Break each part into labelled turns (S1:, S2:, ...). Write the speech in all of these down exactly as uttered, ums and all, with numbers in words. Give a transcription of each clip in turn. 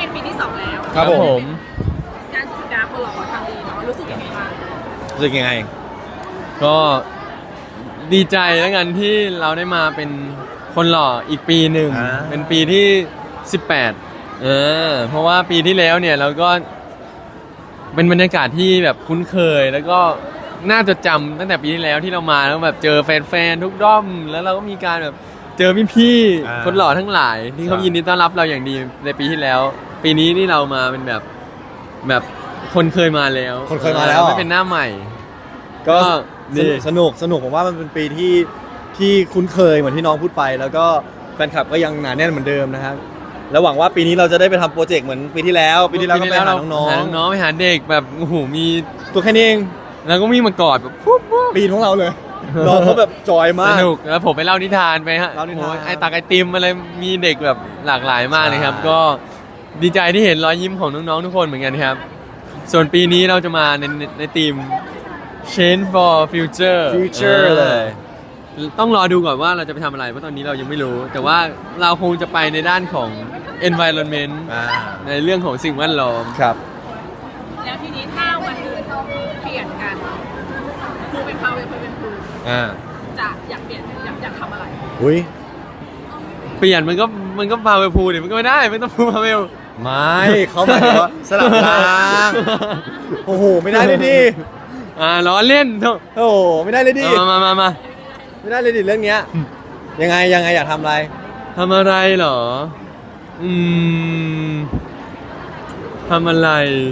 S1: เป็นปีที่สองแล้ว
S2: ครับผม
S1: การสุดาคนหล่อทำดีเนาะรู้สึกยังไงบ้าง
S2: รู้สึกยังไง
S3: ก็ดีใจแล้วกันที่เราได้มาเป็นคนหล่ออีกปีหนึ่งเป็นปีที่สิบแปดเออเพราะว่าปีที่แล้วเนี่ยเราก็เป็นบรรยากาศที่แบบคุ้นเคยแล้วก็น่าจดจำตั้งแต่ปีที่แล้วที่เรามาแล้วแบบเจอแฟนๆทุกด้อมแล้วเราก็มีการแบบเจอพี่ๆคนหล่อทั้งหลายที่เขายินดีต้อนรับเราอย่างดีในปีที่แล้ว ปีนี้นี่เรามาเป็นแบบแบบคนเคยมาแล้ว
S2: คนเคยมาแล้ว
S3: ไม่เป็นหน้าใหม่
S2: ก็สนุกสนุกผมว่ามันเป็นปีที่ที่คุ้นเคยเหมือนที่น้องพูดไปแล้วก็แฟนคลับก็ยังหนาแน่นเหมือนเดิมนะครับแล้วหวังว่าปีนี้เราจะได้ไปทำโปรเจกต์เหมือนปีที่แล้วปีที่แล้วก็ไปหาน้อง
S3: ๆน้องๆไปหาเด็กแบบโอ้โหมี
S2: ตัวแค่นี้เอง
S3: แล้วก็มีมากอดแบบปุ๊บ
S2: ปีของเราเลยน้องเขาแบบจอยมาก
S3: สนุกแล้วผมไปเล่านิทานไปฮะไอตักไอติมอะไรมีเด็กแบบหลากหลายมากเลยครับก็ดีใจที่เห็นรอยยิ้มของน้องๆทุกคนเหมือนกันครับส่วนปีนี้เราจะมาในในทีม Change for Future
S2: Future เลย
S3: ต้องรอดูก่อนว่าเราจะไปทำอะไรเพราะตอนนี้เรายังไม่รู้แต่ว่าเราคงจะไปในด้านของ environment ในเรื่องของสิ่งแวดล้อม
S2: ครับ
S1: แล้วทีนี้ถ้าวันหนึ่งเปลี่ยนกันครูเป็นพาวเวลเป็นครูจะอยากเปลี่ยนอยากอยากทำอะไร
S2: อุ้ย
S3: เปลี่ยนมันก็มันก็พาเวลพูดิมันก็ไม่ได้ไม่ต้องพูพาเวล
S2: ไม่เขาหมายถึงว่าสลับทางโอ้โหไม่ได้เลยดิ
S3: อ่าล้อเล่นโธ่
S2: โอ้โหไม่ได้เลยดิ
S3: มามามามา
S2: ไม่ได้เลยดิเรื่องเนี้ยยังไงยังไงอยากทำอะไร
S3: ทำอะไรเหรออืมทำอะไร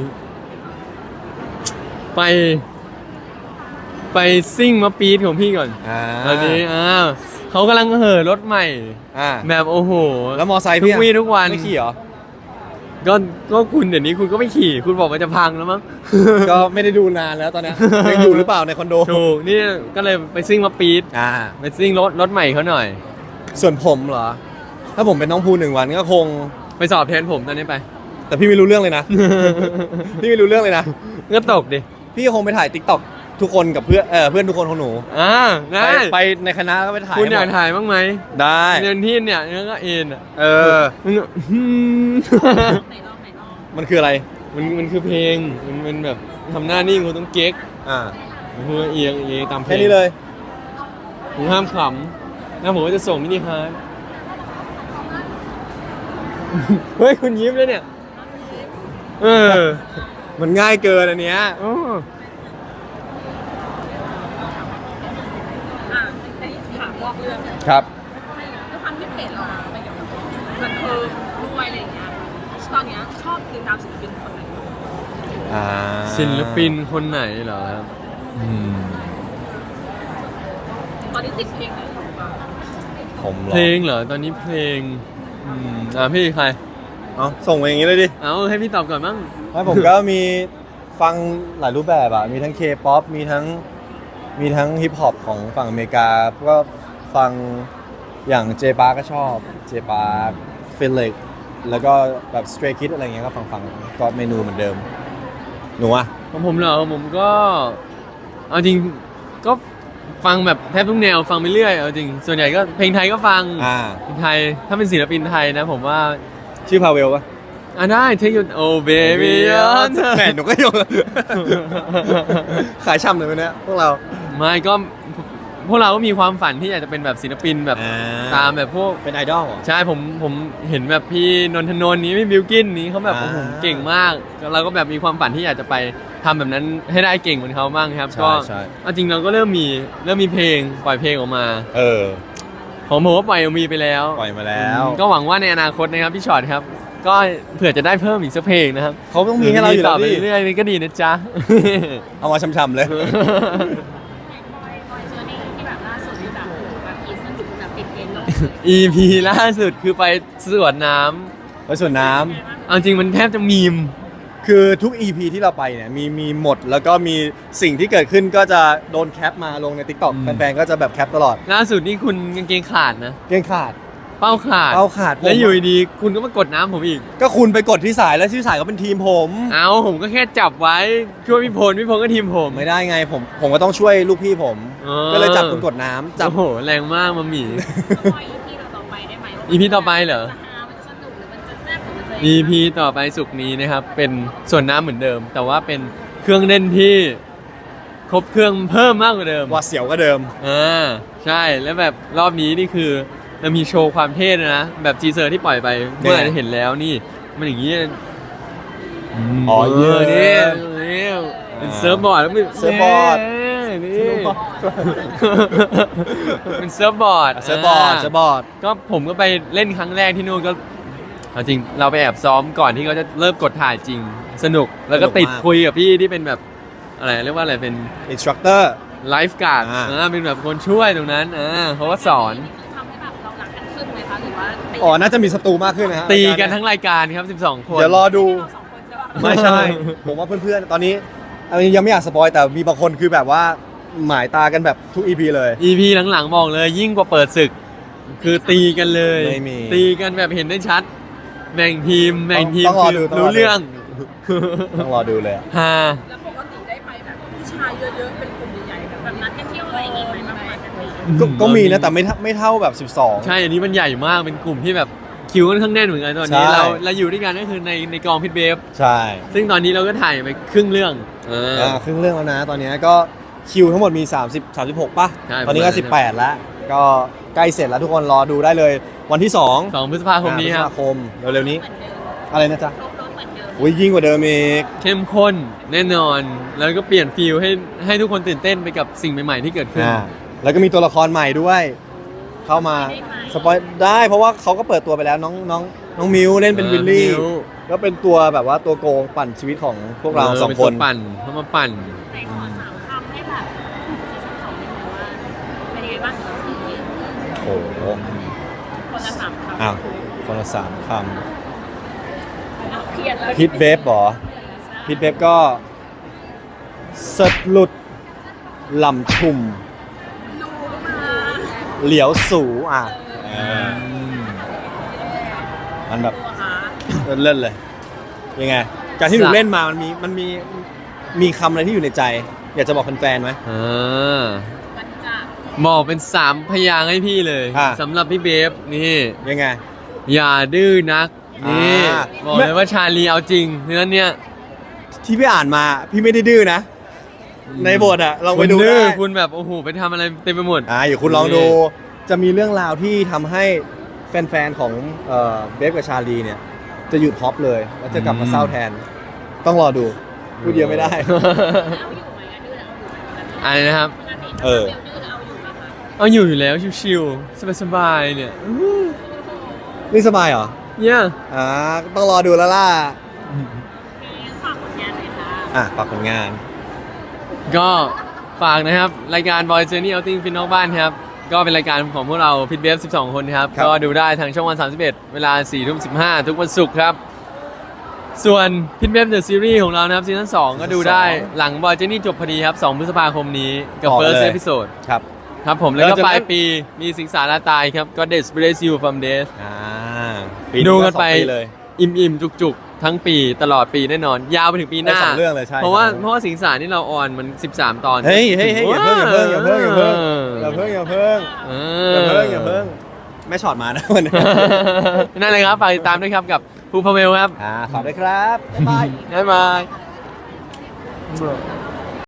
S3: ไปไปซิ่งมาปีดของพี่ก่อนตอนนี้อ้าวเขากำลังเห่อรถใหม่แบบโอ้โห
S2: แล้วมอไซค์
S3: ทุกวี่ทุกวัน
S2: ไม่ขี่เหรอ
S3: ก็ก็คุณเดี๋ยวนี้คุณก็ไม่ขี่คุณบอกว่าจะพังแล้วมั้ง
S2: ก็ไม่ได้ดูนานแล้วตอนนี้ยังอยู่หรือเปล่าในคอนโด
S3: ถูกนี่ก็เลยไปซิ่งมาปีดไปซิ่งรถรถใหม่เขาหน่อย
S2: ส่วนผมเหรอถ้าผมเป็นน้องภูหนึ่งวันก็คง
S3: ไปสอบแทนผมตอนนี้ไป
S2: แต่พี่ไม่รู้เรื่องเลยนะพี่ไม่รู้เรื่องเลยนะ
S3: ก็ตกดิ
S2: พี่คงไปถ่ายติ๊กต็อกทุกคนกับเพื่อนเออเพื่อนทุกคนของหนู
S3: อ่าได้
S2: ไปในคณะก็ไปถ่าย
S3: คุณอยากถ่ายบ้างไหม
S2: ได้
S3: เรียนที่เนี่ยนี่ก็เอ็นอ่ะ
S2: เออมันคืออะไร
S3: มันมันคือเพลงมันมันแบบทำหน้านิ่งคุณต้องเก๊ก
S2: อ่า
S3: คุณเอียงเอียงตามเพลง
S2: แค่นี้เลย
S3: ผมห้ามขำแล้วผมก็จะส่งมินิฮาร์ดเฮ้ยคุณยิ้มเลยเนี่ยเออ
S2: มันง่ายเกินอันเนี้ยครับ
S1: ด้วยความที่เพจเราไปเกี่ยวกับบันเทิงด้วยอะไรอย่างเงี้ยตอนเนี้ยชอบติดตามศิลปินคนไหน
S3: ศิลปินคนไหนเหรอครับ
S1: ตอนนี้ติดเพลงไหนอยู่บ้าง
S2: ผม
S3: เพลงเหรอตอนนี้เพลงอืมอ่าพี่ใคร
S2: เอาส่งมาอย่างนี้เลยดิ
S3: เอาให้พี่ตอบก่อนมั้ง
S2: ไม่ผมก็มีฟังหลายรูปแบบอ่ะมีทั้ง K-pop มีทั้งมีทั้งฮิปฮอปของฝั่งอเมริกาก็ฟังอย่างเจปาก็ชอบเจปาฟิลเล็กแล้วก็แบบสเตรย์คิดอะไรเงี้ยก็ฟังฟังก็เมนูเหมือนเดิมหนูอ่ะ
S3: ของผมเหรอผมก็เอาจริงก็ฟังแบบแทบทุกแนวฟังไปเรื่อยเอาจริงส่วนใหญ่ก็เพลงไทยก็ฟังเพลงไทยถ้าเป็นศิลปินไทยนะผมว่า
S2: ชื่อพาเวลปะ
S3: อ่ะได้เทคยูโอเบบี้
S2: แหมหนูก็ยงขายช่ำเลยวันนี้พวกเรา
S3: ไม่ก็พวกเราก็มีความฝันที่อยากจะเป็นแบบศิลปินแบบตามแบบพวก
S2: เป็นไอดอล
S3: ใช่ผมผมเห็นแบบพี่นนทนนท์นี้พี่บิวกินนี้เขาแบบโอ้โหเก่งมากเราก็แบบมีความฝันที่อยากจะไปทำแบบนั้นให้ได้เก่งเหมือนเขาบ้างครับก็จริงเราก็เริ่มมีเริ่มมีเพลงปล่อยเพลงออกมา
S2: เออ
S3: ผมผมก็ปล่อยมีไปแล้ว
S2: ปล่อยมาแล้ว
S3: ก็หวังว่าในอนาคตนะครับพี่ช็อตครับก็เผื่อจะได้เพิ่มอีกสักเพลงนะครับ
S2: เขาต้องมีให้เราอยู่
S3: ต่อไปเรื่อยๆก็ดีนะจ๊ะ
S2: เอามาช้ำๆเลย
S3: อี พี ล่าสุดคือไปสวนน้
S2: ำไปสวนน้
S3: ำเอาจริงมันแทบจะมีม
S2: คือทุก อี พี ที่เราไปเนี่ยมีมีหมดแล้วก็มีสิ่งที่เกิดขึ้นก็จะโดนแคปมาลงใน TikTok แฟนๆก็จะแบบแคปตลอด
S3: ล่าสุดนี่คุณกางเกงขาดนะ
S2: เกงขาด
S3: เป้าขาด
S2: เป้าขาด
S3: แล้วอยู่ดีคุณก็มากดน้ำผมอีก
S2: ก็คุณไปกดที่สายแล้วที่สายก็เป็นทีมผม
S3: เอาผมก็แค่จับไว้ช่วยพี่พลพี่พลก็ทีมผม
S2: ไม่ได้ไงผมผมก็ต้องช่วยลูกพี่ผมก็เลยจับคุณกดน้ำจับ
S3: โอ้โหแรงมากมาหมี่
S1: อี พี ต่อไปได้ไหม
S3: อี พี ต่อไปเหรอ
S1: มันจะสนุกหรือมันจะแซ่บหรือมัน
S3: อี พี ต่อไปสุกร์นี้นะครับ เป็นส่วนน้ำเหมือนเดิม แต่ว่าเป็นเครื่องเล่นที่ครบเครื่องเพิ่มมากกว่าเดิม
S2: ว่าเสียวก็เดิม
S3: อ่าใช่แล้วแบบรอบนี้นี่คือเรามีโชว์ความเท่ด้วยนะ แบบทีเซอร์ที่ปล่อยไปเมื่อไหร่จะเห็นแล้วนี่ มันอย่างนี้
S2: อ๋อเยอะ
S3: นี่นี่เป็นเซิร์ฟบอร์ดแล้วมัน
S2: เซิร์ฟบอร์ด
S3: นี่เป็นเซิร์ฟบอร์ด
S2: เซิร์ฟบอร์ดเซิร์ฟบอร์ด
S3: ก็ผมก็ไปเล่นครั้งแรกที่นู่นก็เอาจริงเราไปแอบซ้อมก่อนที่เขาจะเริ่มกดถ่ายจริงสนุกแล้วก็ติดคุยกับพี่ที่เป็นแบบอะไรเรียกว่าอะไรเป็น
S2: อินสตรัคเตอร์
S3: ไลฟ์การ์ด
S2: อ่า
S3: อ่าเป็นแบบคนช่วยตรงนั้นอ่าเขาก็สอน
S1: ทำให้แบบเรารักกันขึ้นไหมคะหรือว่าตี
S2: อ๋อ น่าจะมีศัตรูมากขึ้นนะฮะ
S3: ตีกันทั้งรายการครับสิบสองคน
S2: เดี๋ยวรอดู
S1: เราสองคนจะว่า
S2: ไม่ใช่ ผมว่าเพื่อนๆ ตอนนี้อันนี้ยังไม่อยากสปอยแต่มีบางคนคือแบบว่าหมายตากันแบบทุก อี พี เลย
S3: อี พี หลังๆบอกเลยยิ่งกว่าเปิดศึก คือตีกันเลย
S2: ไม่มี
S3: ตีกันแบบเห็นได้ชัด แบ่งทีมแบ่งทีม
S2: ต้องรอ
S3: คือ
S2: ดูต้องรอดู
S3: รู้เรื่อง
S2: ต้องรอดูเลยอะ
S3: ฮา
S1: แล้วปกติได้ไปแบบผู้ชายเยอะๆเป็นกลุ่มใหญ่ๆแบบแบบนัดกันเที่ยวอะไรอย่างงี้ไหมมาไปกันไหม
S2: ก็ก็มีนะแต่ไม่เท่าไม่เท่าแบบ สิบสอง
S3: ใช่ อันนี้มันใหญ่มากเป็นกลุ่มที่แบบคิวค่อนข้างแน่นเหมือนกันตอนนี้
S2: ใช่
S3: เราเราอยู่ด้วยกันก็คือในในกองพิทเบฟ
S2: ใช่
S3: ซึ่งตอนนี้เราก็ถ่ายไปครึ่งเรื่องเออ
S2: อ่าครึ่งเรื่องแล้วนะ ตอนนี้ก็คิวทั้งหมดมี สามสิบ สามสิบหก ป่ะ
S3: ใช่
S2: ตอนนี้ก็
S3: ประมาณนั้น
S2: สิบแปด แล้ว ก็ใกล้เสร็จแล้วทุกคนรอดูได้เลย วันที่ 2
S3: สองพฤษภาคมนี้ครับ
S2: พฤษภาคมเร็วๆนี้ อะไรนะจ๊ะ
S1: ครบรถเหมือนเดิม
S2: อุ้ยยิ่งกว่าเดิมอีก
S3: เข้มข้นแน่นอน แล้วก็เปลี่ยนฟิลให้ให้ทุกคนตื่นเต้นไปกับสิ่งใหม่ๆที่เกิดขึ้น
S2: อ่าแล้วก็มีตัวละครใหม่ด้วย เข้ามาสปอยได้เพราะว่าเขาก็เปิดตัวไปแล้วน้องน้องน้องมิวเล่นเป็น
S3: เออ
S2: วิลลี่
S3: มิว
S2: ก็เป็นตัวแบบว่าตัวโกงปั่นชีวิตของพวกเราสอง
S3: ป็
S2: คน
S3: ตัวปั่นเขามาปั่น
S1: ในขอสามคำให้แบบซีซั่นสองนิดนึงว่าเป็นยังไงบ้างสำหรับซีรีส์
S2: โอ้โห
S1: คนละสามคำ
S2: อ้าวคนละสามค
S1: เอาเครียดแล้ว
S2: ำพิทเบฟเหรอพิทเบฟก็สดหลุดหล่ำชุ่ม
S1: ดูมา
S2: เหลียวสูอ่ะเออมันแบบ
S1: ตัวหา
S2: เล่นเลย ยังไง การที่หนู
S3: สะ
S2: เล่นมามันมีมันมีมีคำอะไรที่อยู่ในใจ อยากจะบอกแฟนๆไหม
S3: อ่า
S1: มันจะ
S3: บอกเป็นสามพยางค์ให้พี่เลย
S2: อ่ะ
S3: สำหรับพี่เบฟนี่
S2: ยังไง
S3: อย่าดื้อนักนี่
S2: อ่า
S3: บอกเลยว่าชาลีเอาจริงเนื้อเนี้ย
S2: ที่พี่อ่านมาพี่ไม่ได้ดื้อนะ ในบทอะลองไป
S3: คุณ
S2: ดู
S3: ดื้อ
S2: ได้
S3: คุณแบบโอ้โหไปทำอะไรเต็มไปหมด
S2: อ่าอยู่คุณลองดู จะมีเรื่องราวที่ทำให้แฟนๆของเอ่อเบฟกับชาลีเนี่ย จะหยุดฮอปเลย แล้วจะกลับมา
S3: อืม
S2: เศร้าแทน ต้องรอดูพูดเยอะไม่ได้
S1: เอาอยู่ไหมอะดื้อเอาอยู่ไหม
S3: อะไรนะครับ
S1: ปกติ
S2: เออ
S1: ดื้อเอาอยู่ไหมคะ
S3: เอาอยู่อยู่แล้วชิวๆสบายๆเนี่ย
S2: นี่สบายเหรอ
S3: เนี่ย
S2: อ่าต้องรอดูแล้วล่ะ
S1: ฝากผลงานหน่อยค่ะ
S2: อ่ะฝากผลงาน
S3: ก็ฝากนะครับ รายการ Boy Journey Outing ฟินนอกบ้านครับ ก็เป็นรายการของพวกเราพิทเบฟสิบสองคนครับ
S2: ครับ
S3: ก็ดูได้ทางช่องวัน สามสิบเอ็ด เวลา สี่ทุ่มสิบห้า ทุกวันศุกร์ครับ ส่วนพิทเบฟเดอะซีรีส์ของเรานะครับซีซั่นสองก็ดูได้หลัง Boy Journey จบพอดีครับ สองพฤษภาคมนี้กับ
S2: ต่อ
S3: First
S2: เลย
S3: Episode
S2: ครับ
S3: ครับผมแล้วก็
S2: แล้วจะ
S3: ปลายปีมีสิงสาราตายครับ ก็ Death Bless You from Death
S2: อ่า
S3: ดูกันไป
S2: สองเลย
S3: อิ่มๆ จุกๆ ทั้งปีตลอดปีแน่นอน ยาวไปถึงปีหน้า
S2: ได้สองเรื่องเลยใช่
S3: เพราะว่า
S2: สองเรื่อง
S3: เพราะว่าสิงสารที่เราออนมัน สิบสาม ตอน
S2: เฮ้ยเฮ้ยเฮ้ยอย่าเพิ่งอย่าเพิ่งอย่าเพิ่งอย่าเพิ่งอย่าเพิ่งอย่าเพิ่ง
S3: เอ
S2: อย่าเพิ่งอย่าเพิ่งแม่ช็อตมานะวันนี้
S3: นั่นเลยครับฝากติดตามด้วยครับกับภูพาเวลครับ
S2: อ่าฝากด้วยครับบ๊ายบาย
S3: บ๊ายบาย